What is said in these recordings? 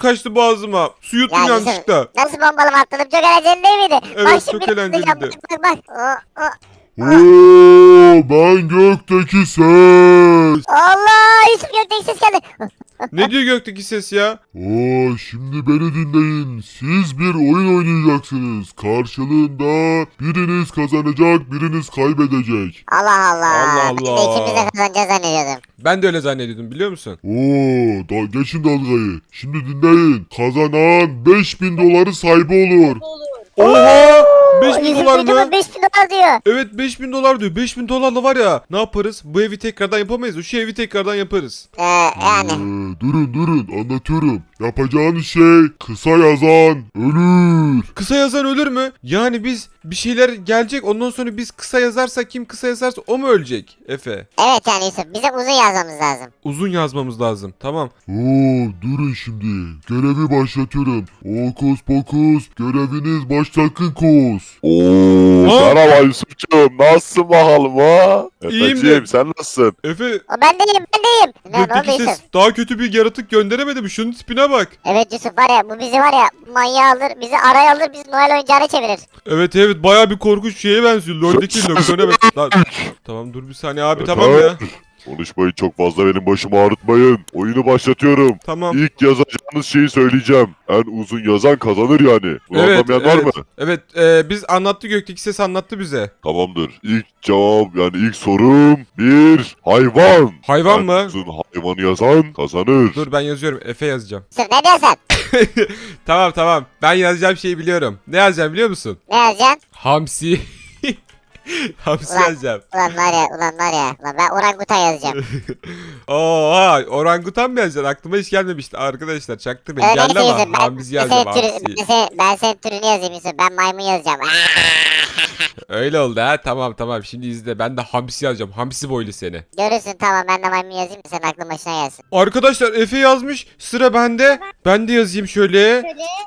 kaçtı boğazıma. Su yuttum Ya yanlışlıkla. nasıl bombalama atladım? Çok eğlenceli değil miydi? Evet, Bak çok şimdi atlayacağım. eğlenceliydi. Bak. Ben gökteki ses. Allah, Yusuf gökteki ses geldi. Ne diyor gökteki ses ya? Şimdi beni dinleyin. Siz bir oyun oynayacaksınız. Karşılığında biriniz kazanacak, biriniz kaybedecek. Allah Allah. Allah Ben de Allah. ikimiz de kazanacağız zannediyordum. Ben de öyle zannediyordum biliyor musun? Geçin dalgayı. Şimdi dinleyin. Kazanan 5000 doları sahibi olur. Oha! 5000 Yusuf dolar kocaman mı? 5000 dolar diyor. Evet 5000 dolar diyor. 5000 dolarla var ya. Ne yaparız? Bu evi tekrardan yapamayız. Şu evi tekrardan yaparız. Yani. Durun anlatıyorum. Yapacağınız şey kısa yazan ölür. Kısa yazan ölür mü? Yani biz bir şeyler gelecek ondan sonra biz kısa yazarsak kim kısa yazarsa o mu ölecek Efe? Evet yani Yusuf bizim uzun yazmamız lazım. Uzun yazmamız lazım. Tamam. Durun şimdi. Görevi başlatıyorum. Okus pokus göreviniz başlasın kus. Ha? Merhaba Yusuf'cum. Nasılsın bakalım ha? İyiyim de- Efeciğim sen nasılsın? Efe Ben deyim. Ne oldu gökteki Yusuf? ses daha kötü bir yaratık gönderemedi mi? Şunun tipine bak. Evet Yusuf var ya bu bizi var ya manyağı alır bizi araya alır bizi Noel oyuncağına çevirir. Evet baya bir korkunç şeye benziyor. LoL'deki Loksion'a Tamam dur bir saniye abi tamam ya. Konuşmayın çok fazla benim başımı ağrıtmayın. Oyunu başlatıyorum. Tamam. İlk yazacağınız şeyi söyleyeceğim. En uzun yazan kazanır yani. Bunu Evet, anlamayan var mı? Evet, biz anlattı gökteki ses anlattı bize. Tamamdır. İlk cevap yani ilk sorum bir hayvan. Hayvan En mı? uzun hayvanı yazan kazanır. Dur ben yazıyorum. Efe yazacağım. Yusuf ne diyorsun? Tamam. Ben yazacağım şeyi biliyorum. Ne yazacağım biliyor musun? Ne yazacaksın? Hamsi. Hamsi Ulan. yazacağım. Ulan var ya. Ulan ben orangutan yazacağım. Oha orangutan mı yazacaksın? Aklıma hiç gelmemişti arkadaşlar. Çaktırmayın. Geldi Neyse ama Yusuf hamsi yazacağım hamsi. ben senin türünü yazayım Yusuf. Ben maymun yazacağım. Öyle oldu ha. Tamam. Şimdi izle. Ben de hamsi yazacağım. Hamsi boylu seni. Görürsün tamam ben de maymun yazayım da senin aklın başına gelsin. Arkadaşlar Efe yazmış. Sıra bende. Ben de yazayım şöyle.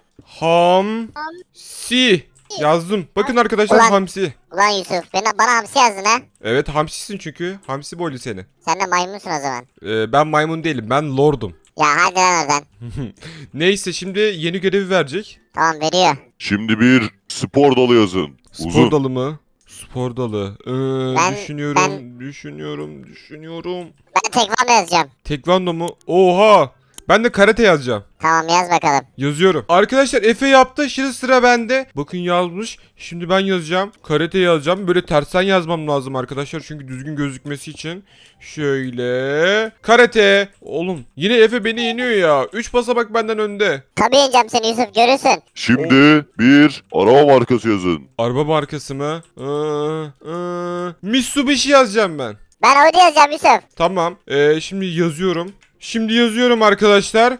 Hamsi. Yazdım. Bakın arkadaşlar Ulan. hamsi. Ulan Yusuf bana hamsi yazdın ha. Evet hamsisin çünkü. Hamsi boylu seni. Sen de maymunsun o zaman. Ben maymun değilim. Ben lordum. Ya hadi lan oradan. Neyse şimdi yeni görevi verecek. Tamam veriyor. Şimdi bir spor dalı yazın. Spor Uzun. dalı mı? Spor dalı. Ben- Düşünüyorum. Ben tekvando yazacağım. Tekvando mu? Oha! Ben de karate yazacağım. Tamam yaz bakalım. Yazıyorum. Arkadaşlar Efe yaptı. Şimdi sıra bende. Bakın yazmış. Şimdi ben yazacağım. Karate yazacağım. Böyle tersten yazmam lazım arkadaşlar. Çünkü düzgün gözükmesi için. Şöyle. Karate. Oğlum yine Efe beni yeniyor ya. 3 basamak benden önde. Tabii yeneceğim seni Yusuf görürsün. Şimdi bir araba markası yazın. Araba markası mı? Mitsubishi yazacağım ben. Ben Audi yazacağım Yusuf. Tamam. Şimdi yazıyorum. Şimdi yazıyorum arkadaşlar.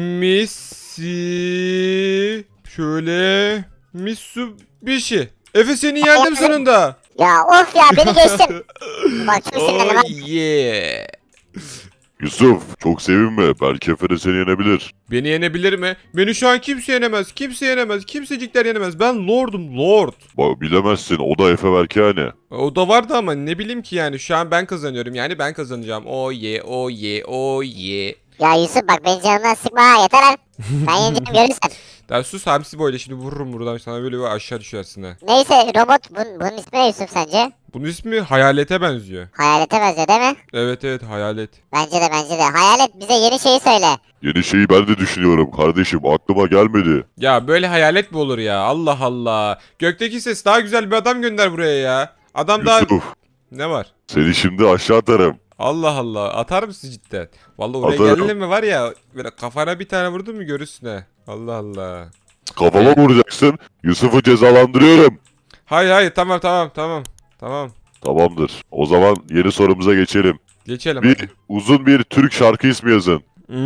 Şöyle. Mitsubishi. Efe seni yendim sonunda. Ya of ya beni geçtin. Bak çok sinirlendim. ha. Oh yeah. Yusuf çok sevinme. Belki Efe de seni yenebilir. Beni yenebilir mi? Beni şu an kimse yenemez. Kimse yenemez. Kimsecikler yenemez. Ben lordum lord. Bak bilemezsin o da Efe belki hani. O da vardı ama ne bileyim ki yani. Şu an ben kazanıyorum. Yani ben kazanacağım. Oh yeah, oh yeah, oh yeah. Ya Yusuf bak beni canımdan sıkma ha yeter lan. Ben yeneceğim görürsün. Daha sus hamsi boyla şimdi vururum buradan sana böyle bir aşağı düşersin ha. Neyse robot bunun ismi ne Yusuf sence? Bunun ismi hayalete benziyor. Hayalete benziyor değil mi? Evet hayalet. Bence de. Hayalet bize yeni şeyi söyle. Yeni şeyi ben de düşünüyorum kardeşim. Aklıma gelmedi. Ya böyle hayalet mi olur ya? Allah Allah. Gökteki ses daha güzel bir adam gönder buraya ya. Adam daha... Yusuf Ne var? seni şimdi aşağı atarım. Allah Allah. Atar mısın cidden? Vallahi oraya Atarım. geldin mi var ya. Böyle kafana bir tane vurdun mu görürsün ha. Allah Allah. Kafama vuracaksın. Yusuf'u cezalandırıyorum. Hayır tamam. Tamam. Tamamdır. O zaman yeni sorumuza geçelim. Geçelim Bir hadi. uzun bir Türk şarkı ismi yazın.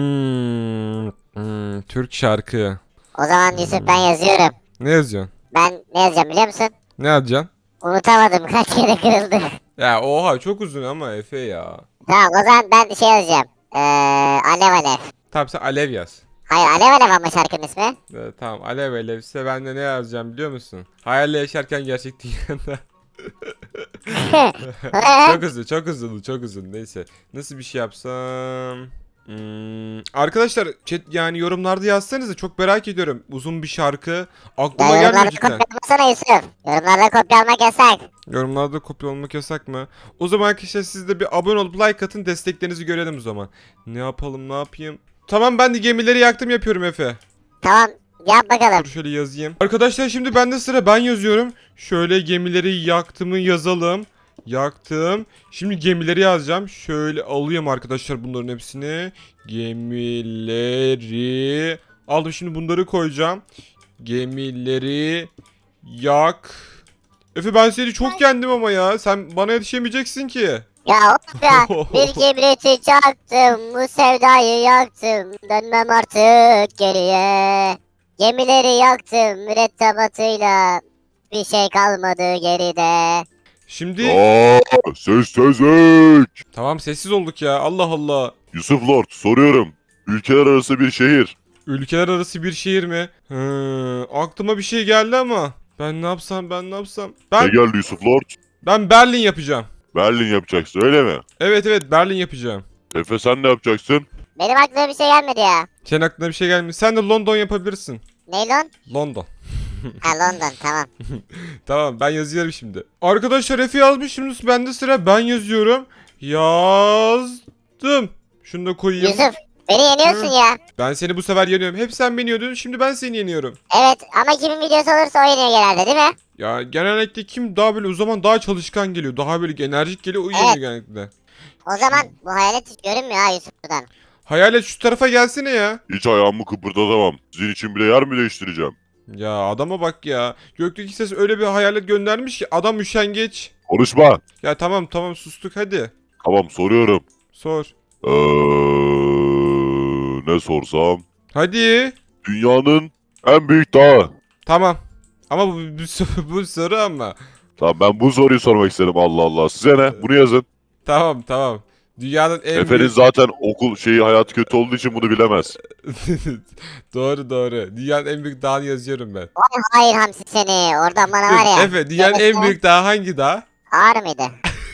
Türk şarkı. O zaman Yusuf ben yazıyorum. Ne yazıyorsun? Ben ne yazacağım biliyor musun? Ne yazacaksın? Unutamadım kaç kere kırıldı. Ya oha çok uzun ama Efe ya. Tamam o zaman ben şey yazacağım. Alev Alev. Tamam sen Alev yaz. Hayır Alev Alev ama şarkının ismi. Tamam Alev ise ben de ne yazacağım biliyor musun? Hayalle yaşarken gerçek dünyada. Çok hızlı neyse. Nasıl bir şey yapsam? Arkadaşlar chat yani yorumlarda yazsanıza, çok merak ediyorum. Uzun bir şarkı. Ya Aklıma gelmiyor yorumlarda cidden. kopya almasana Yusuf. Yorumlarda kopya almak yasak. Yorumlarda kopya olmak yasak mı? O zaman arkadaşlar siz de bir abone olup like atın, desteklerinizi görelim o zaman. Ne yapalım, ne yapayım? Tamam, ben de gemileri yaktım yapıyorum Efe. Tamam yap bakalım. Dur şöyle yazayım. Arkadaşlar şimdi bende sıra, ben yazıyorum. Şöyle gemileri yaktımı yazalım. Yaktım. Şimdi gemileri yazacağım. Şöyle alıyorum arkadaşlar bunların hepsini. Gemileri aldım, şimdi bunları koyacağım. Gemileri yak. Efe ben seni çok yendim ama ya. Sen bana yetişemeyeceksin ki. Ya of ya. Bir kibriti çaktım. Bu sevdayı yaktım. Dönmem artık geriye. Gemileri yaktım mürettebatıyla. Bir şey kalmadı geride. Şimdi Aa, sessizlik. tamam, sessiz olduk ya. Allah Allah. Yusuf Lord soruyorum. Ülkeler arası bir şehir. Ülkeler arası bir şehir mi? Aklıma bir şey geldi ama. Ben ne yapsam? Ne Ben geldi Yusuf Lord? Berlin yapacağım. Berlin yapacaksın öyle mi? Evet Berlin yapacağım. Efe sen ne yapacaksın? Benim aklıma bir şey gelmedi ya. Senin aklına bir şey gelmiyor. Sen de London yapabilirsin. Ne lan? London. Ha London tamam. Tamam, ben yazıyorum şimdi. Arkadaşlar Efe yazmış, şimdi bende sıra, ben yazıyorum. Yazdım. Şunu da koyayım. Yusuf beni yeniyorsun ya. Ben seni bu sefer yeniyorum. Hep sen beni yeniyordun, şimdi ben seni yeniyorum. Evet ama kimin videosu olursa o yeniyor genelde değil mi? Ya genellikle kim daha böyle o zaman daha çalışkan geliyor. Daha böyle enerjik geliyor, o Evet. yeniyor genellikle. O zaman bu hayalet hiç görünmüyor ha Yusuf'tan. Hayalet şu tarafa gelsene ya. Hiç ayağımı kıpırdatamam. Sizin için bile yer mi değiştireceğim? Ya adama bak ya. Gökteki ses öyle bir hayalet göndermiş ki adam üşengeç. Konuşma. Ya tamam sustuk, hadi. Tamam soruyorum. Sor. Ne sorsam? Hadi. Dünyanın en büyük dağı. Tamam. Ama bu soru ama. Tamam ben bu soruyu sormak istedim Allah Allah. Size ne? Bunu yazın. Tamam. Dünyanın en Efe'nin büyük... zaten okul hayatı kötü olduğu için bunu bilemez. Doğru. Dünyanın en büyük dağını yazıyorum ben. Vay hayır hamsi seni. Oradan bana var ya. Efe, dünyanın en büyük dağı hangi dağ? Ağır mıydı?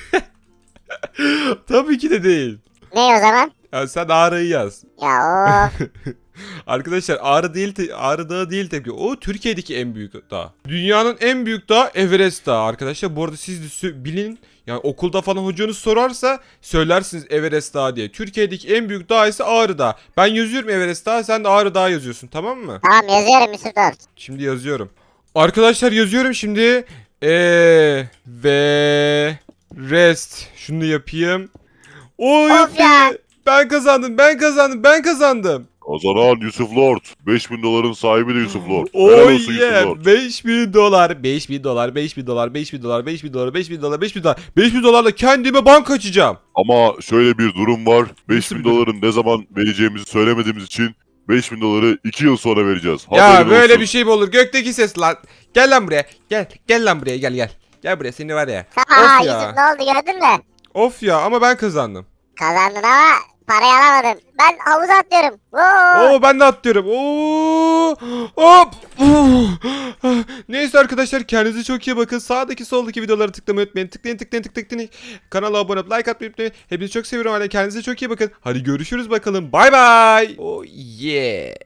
Tabii ki de değil. Ne o zaman? Ya sen Ağrı'yı yaz. Ya of. Arkadaşlar Ağrı Dağı değil tabii. O Türkiye'deki en büyük dağ. Dünyanın en büyük dağı Everest Dağı arkadaşlar. Bu arada siz de bilin. Yani okulda falan hocanız sorarsa söylersiniz Everest Dağı diye. Türkiye'deki en büyük dağ ise Ağrı Dağı. Ben yazıyorum Everest Dağı, sen de Ağrı Dağı yazıyorsun, tamam mı? Tamam yazıyorum Yusuf Lord. Şimdi yazıyorum. Arkadaşlar yazıyorum şimdi. Ve rest. Şunu yapayım. Of ya. Ben kazandım. Kazanan Yusuf Lord. 5000 doların sahibi de Yusuf Lord. Oh Helal olsun Yusuf yeah, Lord. 5000 dolar, 5000 dolarla kendime banka açacağım. Ama şöyle bir durum var. Nasıl 5000 bir durum? doların ne zaman vereceğimizi söylemediğimiz için 5000 doları 2 yıl sonra vereceğiz. Ya Haberin böyle olsun. bir şey mi olur? Gökteki ses lan. Gel lan buraya. Gel lan buraya, gel. Gel buraya, seni var ya. Ha Of ya. Yusuf ne oldu gördün mü? Of ya, ama ben kazandım. Kazandın ama parayı alamadın. Ben havuza atlıyorum. Oo. Oo, ben de atlıyorum. Oo! Hop! Neyse arkadaşlar, kendinize çok iyi bakın. Sağdaki soldaki videoları tıklamayı unutmayın. Tıklayın. Kanala abone olup like atmayı unutmayın. Hepinizi çok seviyorum. Hadi kendinize çok iyi bakın. Hadi görüşürüz bakalım. Bay bay. Oh yeah.